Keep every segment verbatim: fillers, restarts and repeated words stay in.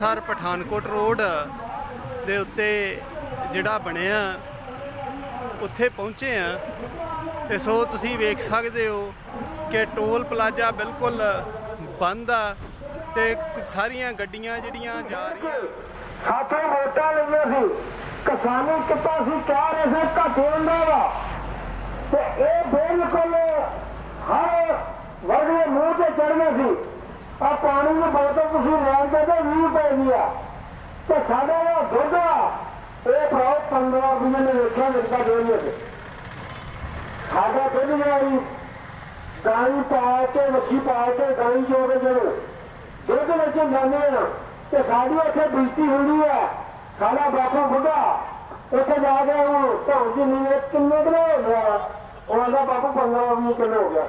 Sir Pathankot road ਦੇ ਉੱਤੇ ਜਿਹੜਾ ਬਣਿਆ ਉੱਥੇ ਪਹੁੰਚੇ ਆ ਤੇ ਸੋ ਤੁਸੀਂ ਵੇਖ ਸਕਦੇ ਹੋ ਕਿ ਟੋਲ ਪਲਾਜ਼ਾ ਬਿਲਕੁਲ ਬੰਦ ਆ ਤੇ ਸਾਰੀਆਂ ਗੱਡੀਆਂ ਜਿਹੜੀਆਂ ਜਾ ਰਹੀਆਂ ਸਾਥੋਂ ਵੋਟਾਂ ਲਈਆਂ ਸੀ ਕਿਸਾਨੀ ਕਿੱਤਾ ਸੀ ਕਹਿ ਰਹੇ ਸੀ ਘਾਟੇ ਹੁੰਦਾ ਵਾ ਤੇ ਇਹ ਬਿਲਕੁਲ ਹਰ ਵਰਗ ਦੇ ਮੂੰਹ ਤੇ ਚੜ੍ਹਨਾ ਸੀ ਆ ਪਾਣੀ ਦੀ ਬੋਤਲ ਤੁਸੀਂ ਲੈਣ ਦੇ ਤੇ ਵੀਹ ਰੁਪਏ ਦੀ ਆ ਤੇ ਸਾਡੇ ਦਾ ਦੁੱਧ ਆ ਇਹ ਭਰਾ ਪੰਦਰਾਂ ਰੁਪਏ ਨੇ ਵੇਖਿਆ ਮਿਲਦਾ ਦੋਨੇ ਤੇ ਸਾਡਾ ਦੁੱਧ ਜਿਹੜੀ ਗਾਈ ਪਾ ਕੇ ਵੱਛੀ ਪਾ ਕੇ ਗਾਈ ਜੋ ਕੇ ਜਦੋਂ ਦੁੱਧ ਵਿੱਚ ਜਾਂਦੇ ਆ ਤੇ ਸਾਡੀ ਉੱਥੇ ਬੀਤੀ ਹੁੰਦੀ ਹੈ ਸਾਡਾ ਬਾਪੂ ਬੁੱਢਾ ਉੱਥੇ ਜਾ ਕੇ ਉਹ ਧੌਣ ਦੀ ਨੀਂਦ ਕਿੰਨੇ ਕਿਲੋ ਹੋ ਗਿਆ ਉਹਨਾਂ ਦਾ ਬਾਪੂ ਪੰਦਰਾਂ ਵੀਹ ਕਿਲੋ ਹੋ ਗਿਆ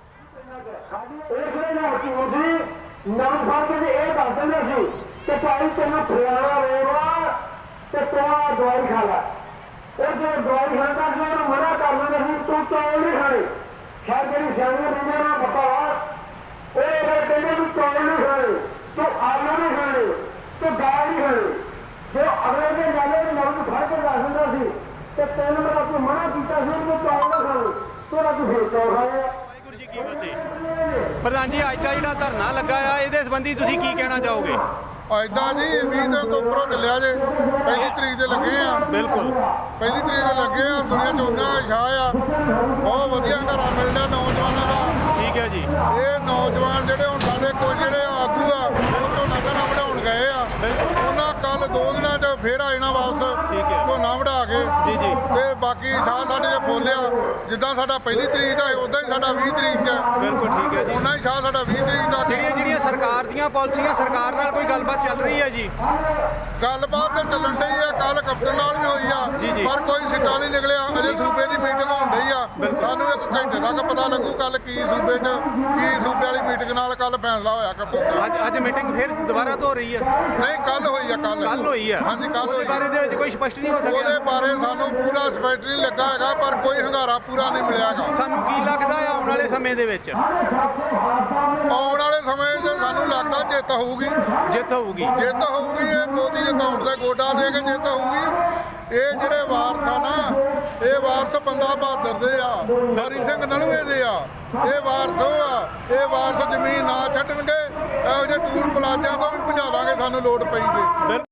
ਇਸ ਲਈ ਨਾ ਤੁਸੀਂ ਨਾ ਫੜ ਕੇ ਇਹ ਦੱਸ ਦਿੰਦੇ ਸੀ ਕਿ ਭਾਈ ਤੈਨੂੰ ਫਲਾਣਾ ਰੋਗਾ ਤੇ ਤੂੰ ਆਹ ਦਵਾਈ ਖਾ ਲੈ ਉਹ ਜੇ ਦਵਾਈ ਖਾਂਦਾ ਸੀ ਉਹਨੂੰ ਮਨਾ ਕਰ ਦਿੰਦੇ ਸੀ ਤੂੰ ਚੌਲ ਨਹੀਂ ਖਾਣੇ ਸ਼ਾਇਦ ਜਿਹੜੀ ਸਿਆਣੀਆਂ ਬੰਦੇ ਨਾਲ ਪਤਾ ਉਹ ਇਹ ਕਹਿੰਦੇ ਤੂੰ ਚੌਲ ਨਹੀਂ ਖਾਣੇ ਤੂੰ ਆਲੂ ਨਹੀਂ ਖਾਣੇ ਤੂੰ ਦਾਲ ਨਹੀਂ ਖਾਣੀ ਜੋ ਅਗਲੇ ਦੇ ਨਾਲੇ ਦੇ ਨਾਲ ਫੜ ਕੇ ਦੱਸ ਦਿੰਦਾ ਸੀ ਤੇ ਤੈਨੂੰ ਮੈਂ ਤੂੰ ਮਨਾ ਕੀਤਾ ਸੀ ਤੂੰ ਚੌਲ ਨਾ ਖਾਣੇ ਤੂੰ ਨਾ ਤੂੰ ਫੇਰ ਚੌਲ ਖਾਣੇ ਵਾਹਿਗੁਰੂ ਜੀ ਕੀ ਫਤਿਹ। ਪ੍ਰਧਾਨ ਜੀ ਅੱਜ ਦਾ ਜਿਹੜਾ ਧਰਨਾ ਲੱਗਾ ਆ ਇਹਦੇ ਸੰਬੰਧੀ ਤੁਸੀਂ ਕੀ ਕਹਿਣਾ ਚਾਹੋਗੇ? ਐਦਾਂ ਜੀ ਵੀਹ ਦਿਨ ਤੋਂ ਉੱਪਰੋਂ ਚੱਲਿਆ ਜੇ ਪਹਿਲੀ ਤਰੀਕ ਦੇ ਲੱਗੇ ਆ ਬਿਲਕੁਲ ਪਹਿਲੀ ਤਰੀਕ ਦੇ ਲੱਗੇ ਆ ਦੁਨੀਆ 'ਚ ਉਹਨਾਂ ਛਾਹ ਆ ਬਹੁਤ ਵਧੀਆ ਘਰਾਂ ਮਿਲਦਾ ਨੌਜਵਾਨਾਂ ਦਾ। ਠੀਕ ਹੈ ਜੀ। ਇਹ ਨੌਜਵਾਨ ਜਿਹੜੇ ਹੁਣ ਸਾਡੇ ਕੋਲ ਜਿਹੜੇ ਆਗੂ ਆ ਉਹ ਝੋਨਾ ਝੋਨਾ ਵਢਾਉਣ ਗਏ ਆ ਉਹਨਾਂ ਕੱਲ ਦੋ ਦਿਨਾਂ 'ਚ ਫੇਰ ਆ ਜਾਣਾ ਵਾਪਸ ਠੀਕ ਹੈ। ਝੋਨਾ ਵਢਾ ਕੇ ਜੀ ਜੀ ਤੇ ਬਾਕੀ ਛਾਹ ਸਾਡੇ ਜੇ ਫੋਲਿਆ ਜਿੱਦਾਂ ਸਾਡਾ ਪਹਿਲੀ ਤਰੀਕ ਦਾ ਉਦਾਂ ਹੀ ਸਾਡਾ ਵੀਹ ਤਰੀਕ ਦਾ ਬਿਲਕੁਲ ਠੀਕ ਹੈ ਜੀ। ਉਹਨਾਂ ਹੀ ਛਾਹ ਸਾਡਾ ਵੀਹ ਤਰੀਕ ਦਾ। ਜਿਹੜੀਆਂ ਜਿਹੜੀਆਂ ਸਰਕਾਰ ਦੀਆਂ ਪਾਲਿਸੀਆਂ ਸਰਕਾਰ ਨਾਲ ਕੋਈ ਗੱਲਬਾਤ ਚੱਲ ਰਹੀ ਹੈ ਜੀ? ਗੱਲਬਾਤ ਤਾਂ ਚੱਲਣ ਡਈ ਆ ਕੱਲ ਕੈਪਟਨ ਨਾਲ ਵੀ ਹੋਈ ਜੀ, ਜੀ। ਆ ਪਰ ਕੋਈ ਸਿੱਟਾ ਨਹੀਂ ਨਿਕਲਿਆ ਅਜੇ ਸੂਬੇ ਦੀ ਮੀਟਿੰਗ ਹੋਣ ਡਈ ਆ ਸਾਨੂੰ ਇੱਕ ਘੰਟੇ ਤੱਕ ਪਤਾ ਲੱਗੂ ਕੱਲ ਕੀ ਸੂਬੇ 'ਚ ਕੀ ਸੂਬੇ ਵਾਲੀ ਮੀਟਿੰਗ ਨਾਲ ਕੱਲ ਫੈਸਲਾ ਹੋਇਆ ਕੈਪਟਨ ਦਾ। ਅੱਜ ਅੱਜ ਮੀਟਿੰਗ ਫਿਰ ਦੁਬਾਰਾ ਤੋਂ ਹੋ ਰਹੀ ਹੈ? ਨਹੀਂ ਕੱਲ ਹੋਈ ਆ ਕੱਲ ਕੱਲ ਹੋਈ ਹੈ। ਹਾਂਜੀ ਕੱਲ ਉਹਦੇ ਹੋਈ ਬਾਰੇ ਦੇ ਵਿੱਚ ਕੋਈ ਸਪਸ਼ਟ ਨਹੀਂ ਹੋ ਉਹਦੇ ਸਕਿਆ? ਬਾਰੇ ਸਾਨੂੰ ਪੂਰਾ ਸਪੈਕਟ ਨਹੀਂ ਲੱਗਾ ਹੈਗਾ ਪਰ ਕੋਈ ਹੰਗਾਰਾ ਪੂਰਾ ਨਹੀਂ ਮਿਲਿਆਗਾ। ਸਾਨੂੰ ਕੀ ਲੱਗਦਾ ਆ ਆਉਣ ਵਾਲੇ ਸਮੇਂ ਦੇ ਵਿੱਚ ਆਉਣ ਵਾਲੇ ਸਮੇਂ 'ਚ ਸਾਨੂੰ ਲੱਗਦਾ ਜਿੱਤ ਹੋਊਗੀ ਜਿੱਤ ਹੋਊਗੀ? ਜਿੱਤ ਹੋਊਗੀ ਇਹ ਮੋਦੀ ਜਿਤਾਉਣ ਦਾ ਗੋਡਾ ਦੇ ਕੇ ਜਿੱਤ ਹੋਊਗੀ। ਇਹ ਜਿਹੜੇ ਵਾਰਸ ਆ ਨਾ ਇਹ ਵਾਰਸ ਬੰਦਾ ਬਹਾਦਰ ਦੇ ਆ ਹਰੀ ਸਿੰਘ ਨਲੂਏ ਦੇ ਆ ਇਹ ਵਾਰਸ ਉਹ ਆ ਇਹ ਵਾਰਸ ਜ਼ਮੀਨ ਨਾ ਛੱਡਣਗੇ ਇਹੋ ਜਿਹੇ ਟੂਲ ਪਲਾਜ਼ਿਆਂ ਤੋਂ ਵੀ ਭਜਾ ਦਾਂਗੇ ਸਾਨੂੰ ਲੋੜ ਪਈ ਤੇ।